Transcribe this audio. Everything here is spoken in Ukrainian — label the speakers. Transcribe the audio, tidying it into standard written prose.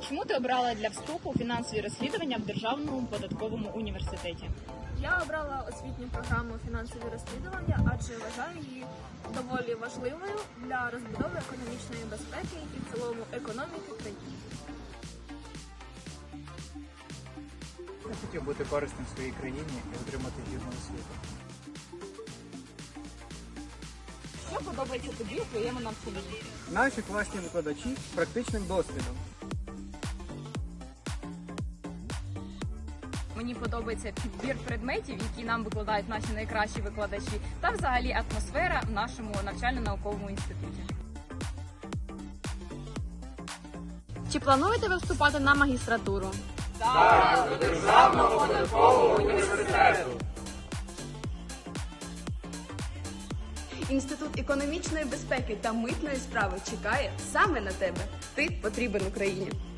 Speaker 1: Чому ти обрала для вступу фінансові розслідування в Державному податковому університеті?
Speaker 2: Я обрала освітню програму фінансові розслідування, адже вважаю її доволі важливою для розбудови економічної безпеки і в цілому економіки країни.
Speaker 3: Я хотів бути корисним в своїй країні і отримати гідну освіту.
Speaker 1: Що подобається тобі у твоєму навчанні?
Speaker 3: Наші класні викладачі з практичним досвідом.
Speaker 4: Мені подобається підбір предметів, які нам викладають наші найкращі викладачі, та взагалі атмосфера в нашому навчально-науковому інституті.
Speaker 5: Чи плануєте ви вступати на магістратуру?
Speaker 4: Так, до Державного податкового університету.
Speaker 5: Інститут економічної безпеки та митної справи чекає саме на тебе. Ти потрібен Україні.